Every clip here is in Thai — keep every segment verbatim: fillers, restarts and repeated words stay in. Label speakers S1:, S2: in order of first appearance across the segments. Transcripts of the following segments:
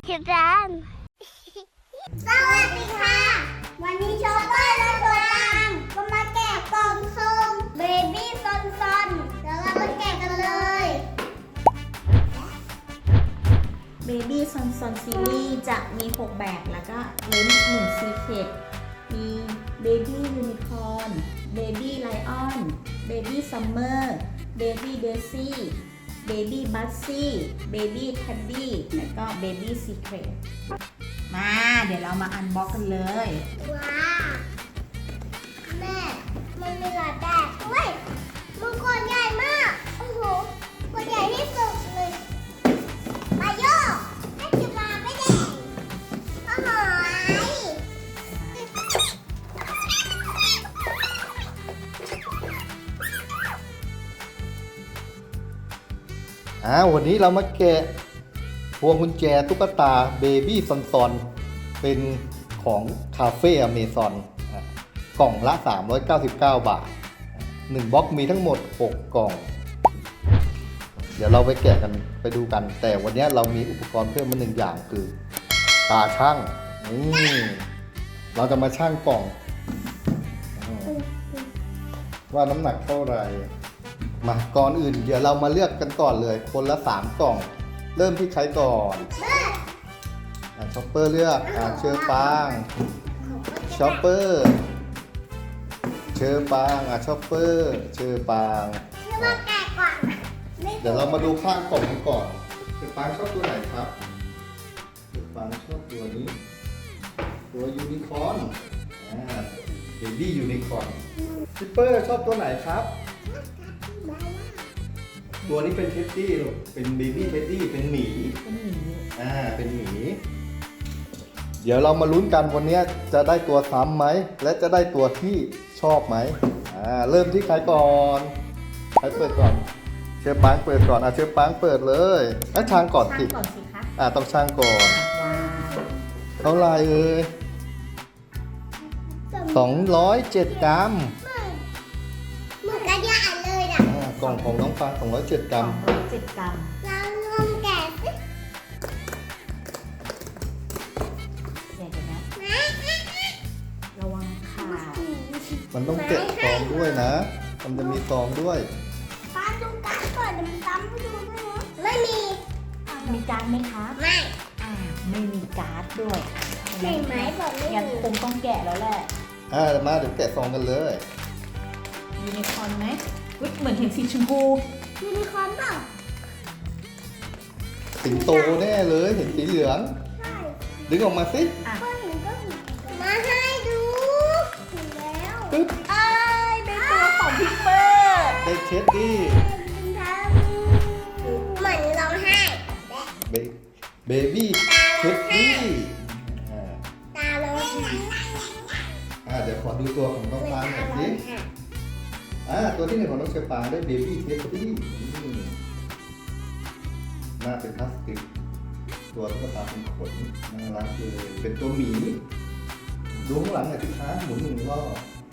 S1: ที่ร้านสวัสดีค่ะวันนี้ชอปเปอร์และตัวตังก็มาแกะกล่องสุ่มเบบี้ซอนซอนเดี๋ยวเรามาแกะกันเลย
S2: เบบี้ซอนซอนซีรีส์จะมีหกแบบแล้วก็ลุ้นหนึ่งซีเคร็ตมีเบบี้ยูนิคอร์นเบบี้ไลออนเบบี้ซัมเมอร์เบบี้เดซี่เบบี้บัสซี่เบบี้แทดดี้แล้วก็เบบี้ซีเคร็ตมาเดี๋ยวเรามาอันบ็อกกันเลย
S1: ว้าวแม่มันมีหลายแบบเว้ยมันกดใหญ่มากโอ้โหกดใหญ่ที่สุดเลยมาโยกให้จุฬาไปแดงก็หอย
S3: อ่าวันนี้เรามาแกะพวงกุญแจตุ๊กตาเบบี้ซอนซอนเป็นของคาเฟ่อเมซอนกล่องละสามร้อยเก้าสิบเก้าบาทหนึ่งบล็อกมีทั้งหมดหกกล่องเดี๋ยวเราไปแกะกันไปดูกันแต่วันนี้เรามีอุปกรณ์เพิ่มมาหนึ่งอย่างคือตาช่างนี่เราจะมาช่างกล่องว่าน้ำหนักเท่าไหร่มาก่อนอื่นเดี๋ยวเรามาเลือกกันก่อนเลยคนละสามกล่องเริ่มที่ใครก่อนอ่ะช็อปเปอร์เลือกอ่ะเชอร์ปางช็อปเปอร์เชอร์ปางอ่ะช็อปเปอร์เชอร์ปางเดี๋ยวเรามาดูข้างกล่องกันก่อนเชอร์ปางชอบตัวไหนครับเชอร์ปางชอบตัวนี้ตัวยูนิคอร์นอ่าเบบี้ยูนิคอร์นชิปเปอร์ชอบตัวไหนครับตัวนี้เป็นเท็ดดี้ลูกเป็นเบบี้เท็ดดี้เป็นหมี
S2: เป็นหมี
S3: อ่าเป็นหมีเดี๋ยวเรามาลุ้นกันวันนี้จะได้ตัวซ้ำไหมและจะได้ตัวที่ชอบไหมอ่าเริ่มที่ใครก่อนใครเปิดก่อนเชฟปังเปิดก่อนอ่ะเชฟปังเปิดเลยอ่ะช่างก่อนสิ
S2: ช่างก่อนสิคะ
S3: อ่าต้องช่างก่อน
S2: ว้าว
S3: เท่าไหร่เอ่ยสองร้อยเจ็ดกรัม
S1: เหมือนกระยาเลยอ่ะ
S3: กล่องของน้องฟางสองร้อยเจ็ดกรัม
S2: สองร้อยเจ็ดกรัม
S1: เราลองแกะสิ
S2: เดี๋ยวนะระวังขาด
S3: มันต้องแกะซองด้วยนะมันจะมีซองด้วย
S1: ป้าดูการ์ดก่อนเดี๋ยวมันซ้ำไปดูด้วยนะไม่มี
S2: มีการ์ดไหมคะ
S1: ไม่
S2: อ่าไม่มีการ์ดด้วย
S1: ใช่ไหมบอกไม่มี
S2: งั้นคงต้องแกะแล้วแหละ
S3: อ่ามาเดี๋ยวแกะซองกันเลย
S2: ยูนิคอร์นไหมเหมือนเห็นสีชมพู
S1: ยูนิคอร์นเปล่า
S3: สิงโตแน่เลยเห็นสีเหลือง
S1: ใช่
S3: ดึงออกมาสิ
S1: ก็เห็นก็เห็นมาให้ดูเห็นแล้ว
S3: ปึ๊บ
S2: ไอ้ในตัวของพิกเปอร์
S3: ได้เช็ดดี้
S1: เหมือนร้องไห้
S3: เบบี้เช็ดดี้
S1: ตาร้องไห้
S3: อ่าเดี๋ยวขอดูตัวของน้องฟางหน่อยสิอ่าตัวที่หนึ่งของน้องเชฟปางได้เบบี้เช็ดดี้หน้าเป็นพลาสติกตัวตุ๊กตาเป็นขนน่ารักเลยเป็นตัวหมีดูข้างหลังหน่อยสิคะหมุนหนึ่งรอบ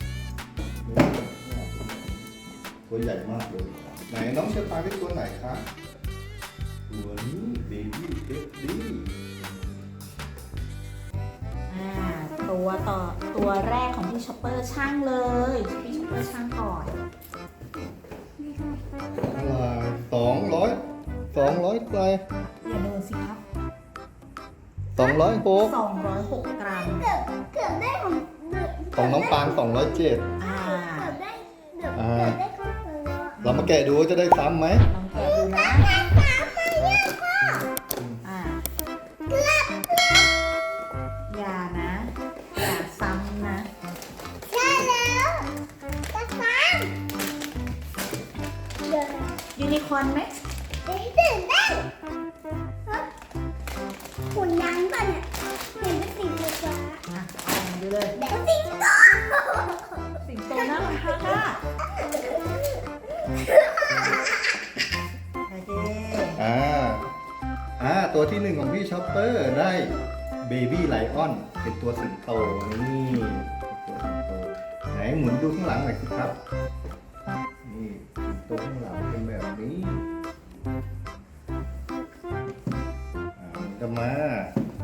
S3: ตัวใหญ่มากเลยไหนน้องเชฟปางได้ตัวไหนคะตัวนี้เบบี้เช็ดดี้
S2: ตัวต่อตัวแรกของพี่ช็อปเปอร์ช่างเลยพี่ช็อปเปอร์ช่างก่อน
S3: สองร้อยสองร้อยไป
S2: อย่าโดนสิครับ
S3: สองร้อยหก
S2: สองร้อยหกกรัม
S1: เกือบเกือบได้ของ
S3: ของน้องปางสองร้อยเจ็ด
S2: อ่า
S1: เกือบได้เกือบเกือบได้ของเรา
S3: เรามาแกะดูจะได้ซ้ำไหม
S2: ลองแกะดูนะอ่าอย่านะอย่าซ้ำนะ
S1: ใช่แล้วจะซ้ำ
S2: ยูนิคอร์นไหม
S1: ตื่นเต้นหุ่นยักษ์ป่ะเนี่ยเห็นเป็นสีฟ้า
S2: อ่ะลองดูเลย
S1: เด็กสิงโต
S2: สิงโตน่ารักมากโอเค
S3: อ่าอ่าตัวที่หนึ่งของพี่ช็อปเปอร์ได้เบบี้ไลออนเป็นตัวสิงโตนี่ตัวสิงโตไหนหมุนดูข้างหลังหน่อยสิครับนี่สิงโตข้างหลังเป็นแบบนี้อ่าจะมา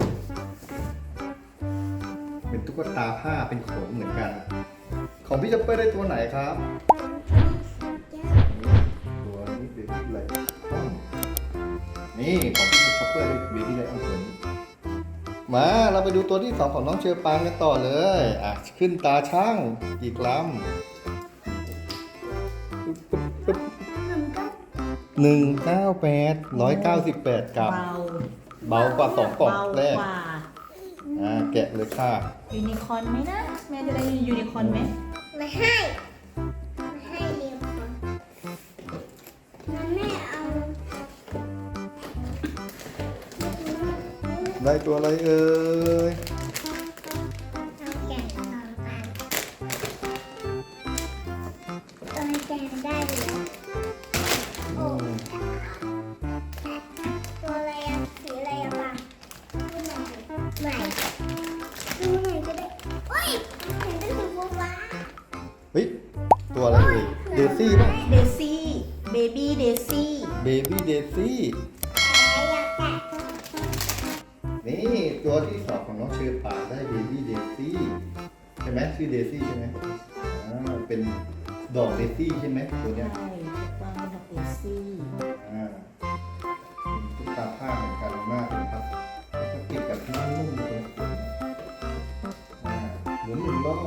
S3: ตุ๊กตาผ้าเป็นขนเหมือนกัน ของพี่ช็อปเปอร์ได้ตัวไหนครับ ตัวนี้เบบี้ไลออนนี่ของพี่ช็อปเปอร์ได้เบบี้ไลออนตัวนี้มาเราไปดูตัวที่สองของน้องเชอปางกันต่อเลยอ่ะขึ้นตาช่างกี่กรัมหนึ่งเก้าแปดร้อยเก้าสิบแปดกรัม
S2: เบา
S3: เบากว่าสองกล่องแรก
S2: เบากว่า
S3: อ่าแกะเลยค่ะ
S2: ยูนิคอร์นไหมนะแม่จะได้ยูนิคอร์นไหม
S1: มาให้มาให้เรียบร้อยแล้วแม่เอา
S3: ได้ตัวอะไรเอ่ย
S1: เอาแกะสองอันตัวแกะได้เลยโอ้ตัวอะไรอะสีอะไรอะปังดูหน่อยใหม่ดูหน่อยก็ได้โอ้ยเห็นเป็นสีฟ้า
S3: เฮ้ยตัวอะไรเอ่ยเดซี่ป่ะ
S2: เดซี่เบบี้เดซี่
S3: เบบี้เดซี่
S1: แต่อยากแกะ
S3: นี่ตัวที่สองของน้องเชอปางได้เบบี้เดซี่ใช่ไหมชื่อเดซี่ใช่ไหมอ่าเป็นดอกเดซี่ใช่ไหมตัวเนี้ย
S2: ใช่วางเป็นดอกเดซี่
S3: อ่าเป็นตุ๊กตาผ้าเหมือนกันมากเลยครับพลาสติกกับที่นุ่มๆเลยอ่าหมุนหมุนรอบ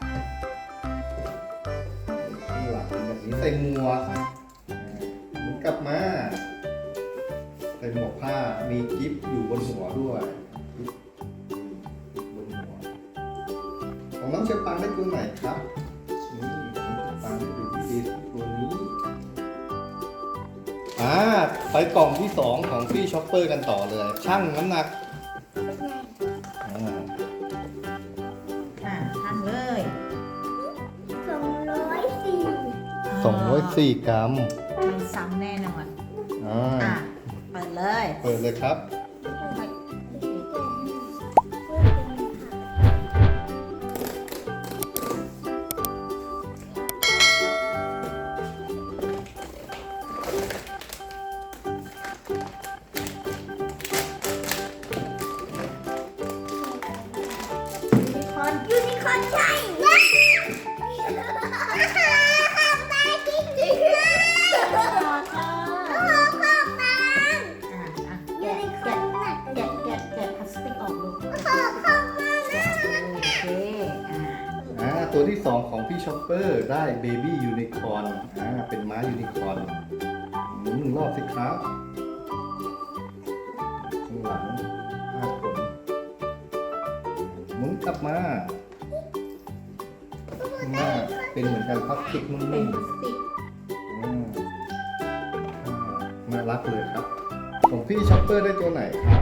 S3: ข้างหลังเป็นแบบนี้ใส่หมวกอ่าหมุนกลับมาใส่หมวกผ้ามีกิ๊บอยู่บนหัวด้วยกิ๊บบนหัวของน้องเชอปางได้ตัวไหนครับนี่ของน้องเชอปางได้ดูดีตัวนี้ อ่าไปกล่องที่สองของพี่ช็อปเปอร์กันต่อเลยช่างน้ำหนัก
S1: เป็นไง
S3: อ่า
S2: อ่ะทำเลย
S1: สองร้อยสี่
S3: สองร้อยสี่กรัม
S2: ไม่ซ้ำแน่นอน
S3: อ่า
S2: อ่ะเปิดเลย
S3: เปิดเลยครับ
S2: ยูนิคอร์น
S1: ยูนิคอร์นใช่ว้าวข้าวตาจริงจริงเลย
S2: ต่อค่ะ
S1: โอ้โหข้าวตา
S2: อ่ะอ่ะ
S1: ยู
S2: แกะ
S1: นิคอ
S2: แกะ
S1: ร์นหนัก
S2: แกะแกะแกะพลาสติกออกลูก
S1: โอ้โหข้าวตา
S2: แกะโอเคอ่ะ
S3: อ่าตัวที่สองของพี่ช็อปเปอร์ได้เบบี้ยูนิคอร์นอ่าเป็นม้ายูนิคอร์นหมุนหนึ่งรอบสิครับข้างหลังห้าขนหมุนกลับมาข้างหน้าเป็นเหมือนกันพลาสติกนุ่
S2: เป็น
S3: ม
S2: พลาสติก
S3: ๆอ่าอ่าน่ารักเลยครับ ของพี่ช็อปเปอร์ได้ตัวไหนครับ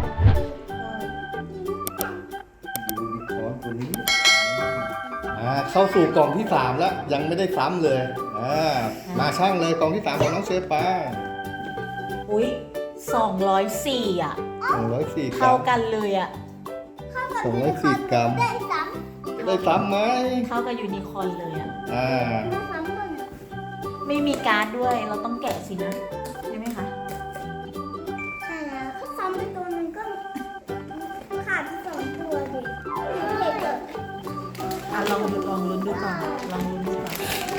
S3: ยูนิคอร์นตัวนี้อ่าเข้าสู่กล่องที่สามแล้วยังไม่ได้ซ้ำเลยอ่ามาช่างเลยกล่องที่สามของน้องเชฟปา
S2: อุ้ยสองร้อยสี่อ่ะ
S3: สองร้อยสี่กรั
S2: เท่าม กันเลยอ่ะ
S3: สองร้อยสี่กรัม
S1: ได้ซ้
S3: จะได้ซ้ำไหม
S2: เท่ากับยูนิคอร์นเลยอ่ะ
S3: อ่า
S1: ำได้ซ้ำก่อนนะ
S2: ไม่มีการ์ดด้วยเราต้องแกะสินะใช่ไหมคะ
S1: ใช่แล้วถ้าซ้ำไปตัวหนึงก็ขาดไปสองตัวดิเด็กเกิด
S2: อ่ะลองดูลองลุ้นดูก่อนลองลุ้นดูก่อน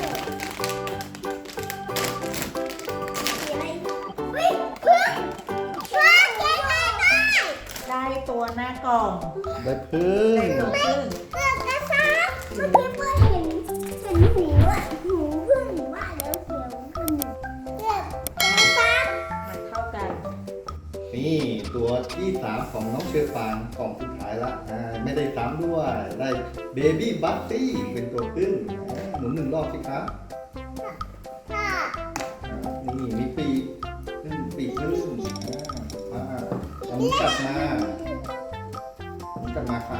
S1: อะไรเฮ้ยเพื่อนเพื่อนเจ๊ได้ได้
S2: ได้ตัวหน้ากล่อง
S3: ได้พึ่ง
S2: ได้ตัวครึ่ง
S1: เพื่อนกระซับเมื่อกี้เพื่อนเห็นเห็นหูอ่ะหูเพื่อนหนูว่าแล้วเสียวขึ้นเพื่อนกระซับ
S2: มันเท่ากัน
S3: นี่ตัวที่สามของน้องเชอปางกล่องสุดท้ายละอ่าไม่ได้ซ้ำด้วยได้เบบี้บัตตี้เป็นตัวขึ้นอ่าหมุนหนึ่งรอบสิครับ
S1: ค่ะ
S3: อ่านี่มีปีกขึ้นปีกขึ้นอ่าเอาหมุนกลับมาหมุนกลับมาค่ะ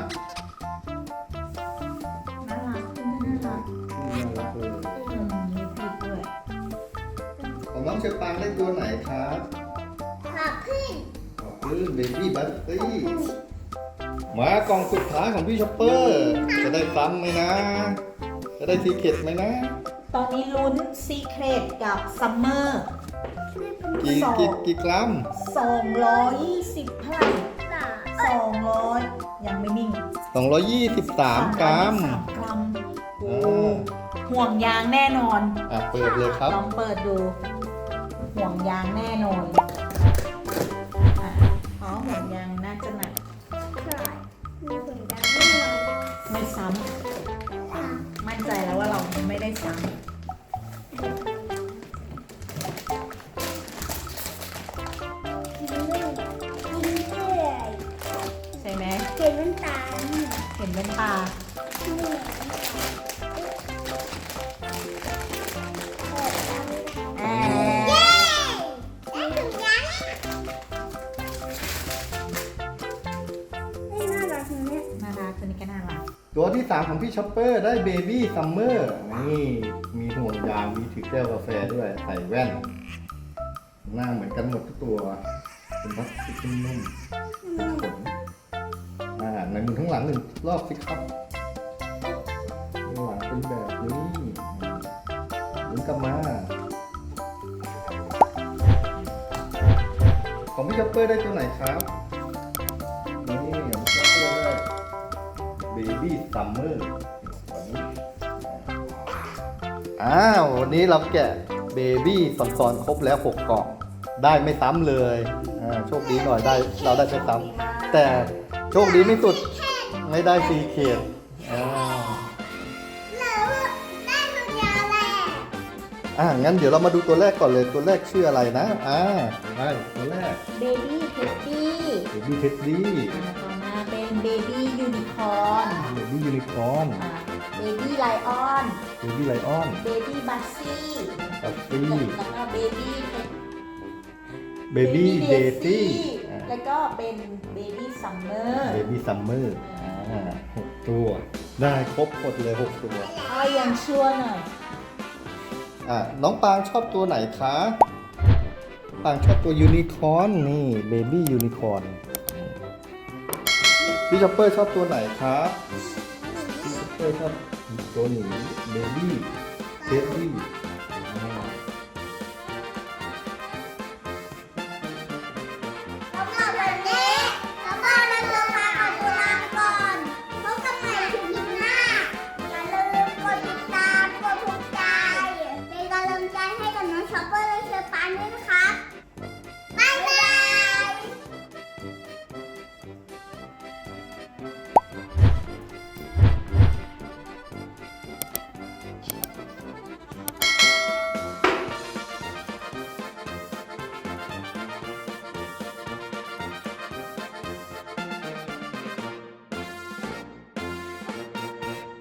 S2: น่ารักน่ารัก
S3: น่ารักเลย
S2: อืมมีปีกด้วย
S3: ของน้องเชอปางได้ตัวไหนครับ
S1: ขอบขึ้น
S3: ขอบคุณเบบี้บัตตี้มากล่องสุดท้ายของพี่ช็อปเปอร์ จะได้ซ้ำไหมนะ จะได้ทีเก็ตไหมนะ
S2: ตอนนี้ลุ้นซีเครตกับซัมเมอร์
S3: กี่กี่กี่กรัม
S2: สองร้อยยี่สิบเท่าไหร่
S1: สาม
S2: สองร้อยยังไม่นิ่ง
S3: สองร้อยยี่สิบสามกรัม
S2: สามกรัมโอ้
S3: อ่า
S2: ห่วงยางแน่นอน
S3: อ่ะเปิดเลยครับ
S2: ลองเปิดดู ห่วงยางแน่นอนอ่ะอ๋อห่วงยางน่าจะหนัก
S1: ใช่มีผลดังไม่นอน
S2: ไม่ซ้ำมั่นใจแล้วว่าเราไม่ได้ซ้
S1: กินเรื่อยกินเรื่อย
S2: ำใช่ไหม
S1: เห็นมันตาเนี่ย
S2: เห็นเป็นตา
S1: เหนื่อยเปิดตาเลย
S2: อ่า
S1: เย้ได้ถึงยังไม่น่ารักนะเนี่ย
S2: น่ารักตัวนี้ก็น่ารัก
S3: ตัวที่สามของพี่ช็อปเปอร์ได้เบบี้ซัมเมอร์นี่มีห่วงยางมีถือแก้วกาแฟด้วยใส่แว่น หน้าเหมือนกันหมดทุกตัว เป็นพลาสติกนุ่มๆเป็นขนอ่าในมือทั้างหลังหนึ่งรอบสิครับข้างหลังเป็นแบบนี้หมุนกลับมาของพี่ช็อปเปอร์ได้ตัวไหนครับนี่ของพี่ช็อปเปอร์ได้ เบบี้ซัมเมอร์วันนี้อ้าววันนี้เราแกะเบบี้ซอนๆครบแล้วหกกล่องได้ไม่ซ้ำเลยอ่าโชคดีหน่อยได้เราได้ไม่ซ้ำแต่โชคดีไม่สุดไม่ได้ซีเคดอ่า
S1: แล้วได้ถึงยังแหละ
S3: อ่างั้นเดี๋ยวเรามาดูตัวแรกก่อนเลยตัวแรกชื่ออะไรนะอ่าได้ตัวแรก
S2: เบบี้เท็ดดี้
S3: เบบี้เท็ดดี้
S2: ต่อมาเป็นเบบี้ยูนิคอร์น
S3: เบบี้ยูนิคอร์น
S2: เบบี้ไลออน
S3: เบบี้ไลออน
S2: เบบี้บัสซี่
S3: บัฟฟี่
S2: แล้วก็เบบี้
S3: เบบี้เดซี่
S2: แล้วก็เป็นเบบี้ซัมเมอร์
S3: เบบี้ซัมเมอร์อ่าหกตัว ได้ครบหมดเลยหกตัว
S2: เอายังชั่วหน่อย
S3: อ่ะน้องปางชอบตัวไหนคะปางชอบตัวยูนิคอร์นนี่เบบี้ยูนิคอร์นพี่ช็อปเปอร์ชอบตัวไหนครับพี่ช็อปเปอร์ชอบตัวหนีเบบี้เบบี้
S1: สำหรับวันนี้แล้วก็เราจะพาไปดูร้านก่อนพบกันใหม่คลิปหน้าอย่าลืมกดติดตามกดถูกใจเป็นกำลังใจให้กับน้องช็อปเปอร์และเชอร์ปานด้วยนะครับ